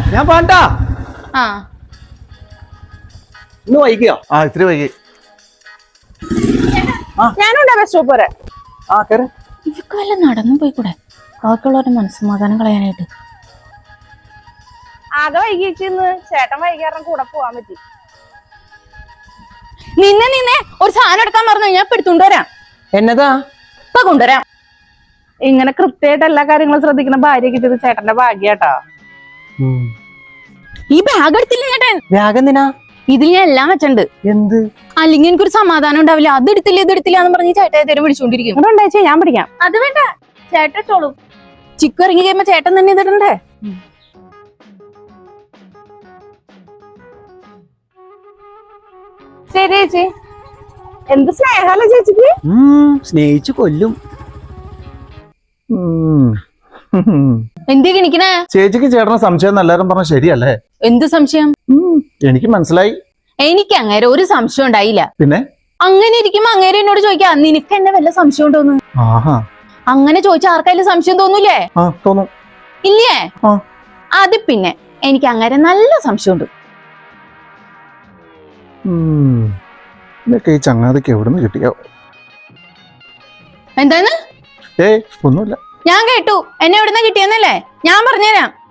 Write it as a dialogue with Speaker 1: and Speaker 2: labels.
Speaker 1: ഞാൻ പാണ്ടാ
Speaker 2: ആ
Speaker 1: ഇന്ന് വൈകിയോ?
Speaker 3: ഇത്തിരി വൈകി.
Speaker 2: ഞാനുണ്ടാ ബസ് സ്റ്റോപ്പ് വരെ.
Speaker 1: കേറ്.
Speaker 2: ഇവക്ക് വല്ല നടന്നു പോയിക്കൂടെ ബാക്കിയുള്ളവരുടെ മനസ്സമാധാനം കളയാനായിട്ട്.
Speaker 4: ആകെ വൈകിച്ചിന്ന് ചേട്ടൻ വൈകാരണം കൂടെ പോവാൻ പറ്റി.
Speaker 2: നിന്നെ ഒരു സാധനം എടുക്കാൻ പറഞ്ഞു ഞാൻ ഇപ്പൊ എടുത്തുകൊണ്ടുവരാം.
Speaker 1: എന്നതാ?
Speaker 2: ഇപ്പൊ കൊണ്ടുവരാം.
Speaker 4: ഇങ്ങനെ കൃത്യമായിട്ട് എല്ലാ കാര്യങ്ങളും ശ്രദ്ധിക്കുന്ന ഭാര്യ കിട്ടിയത് ചേട്ടന്റെ ഭാഗ്യാട്ടാ.
Speaker 2: ഈ ബാഗ് എടുത്തില്ല ചേട്ടൻ.
Speaker 1: വ്യാഗന്തിനാ?
Speaker 2: ഇതിൽ ഞാൻ എല്ലാം വെച്ചിട്ടുണ്ട്.
Speaker 1: എന്ത്?
Speaker 2: അല്ലെങ്കിൽ എനിക്കൊരു സമാധാനം ഉണ്ടാവില്ല. അത് എടുത്തില്ല ഇത് എടുത്തില്ല എന്ന് പറഞ്ഞ് ചേട്ടൻ തരം വിളിച്ചോണ്ടിരിക്കും.
Speaker 4: അതുകൊണ്ടാ ഞാൻ പിടിക്കാം.
Speaker 2: അത് വേണ്ട, ചേട്ടൻ ഇട്ടോളൂ. ചിക്കു ഇറങ്ങി കഴിയുമ്പോ ചേട്ടൻ തന്നെ ഇതിടണ്ടേ.
Speaker 4: ശരി ചേച്ചി. എന്ത് സ്നേഹല്ലേ ചേച്ചിക്ക്.
Speaker 1: സ്നേഹിച്ചു കൊല്ലും.
Speaker 2: എന്തി കിണിക്കണേ?
Speaker 3: ചേച്ചിക്ക് ചേട്ടന് സംശയം എല്ലാരും പറഞ്ഞ ശരിയല്ലേ?
Speaker 2: എന്ത് സംശയം?
Speaker 3: എനിക്ക് മനസ്സിലായി.
Speaker 2: എനിക്ക് അങ്ങേരെ ഒരു സംശയം ഉണ്ടായില്ല.
Speaker 3: പിന്നെ
Speaker 2: അങ്ങനെ ഇരിക്കുമ്പോ അങ്ങേരെ എന്നോട് ചോദിക്കാ നിനക്ക് എന്നെ വല്ല സംശയം ഉണ്ടോന്ന്. അങ്ങനെ ചോദിച്ചാൽ ആർക്കായാലും സംശയം തോന്നൂലേ?
Speaker 3: തോന്നും.
Speaker 2: ഇല്ലേ? അത് പിന്നെ എനിക്ക് അങ്ങേരെ നല്ല സംശയമുണ്ട്.
Speaker 3: ഇതൊക്കെ ഈ ചങ്ങാതിക്ക് എവിടുന്ന് കിട്ടിയോ?
Speaker 2: എന്താന്ന്?
Speaker 3: ഒന്നുമില്ല.
Speaker 2: ഞാൻ കേട്ടു. എന്നെ എവിടുന്ന് കിട്ടിയെന്നല്ലേ? ഞാൻ പറഞ്ഞുതരാം.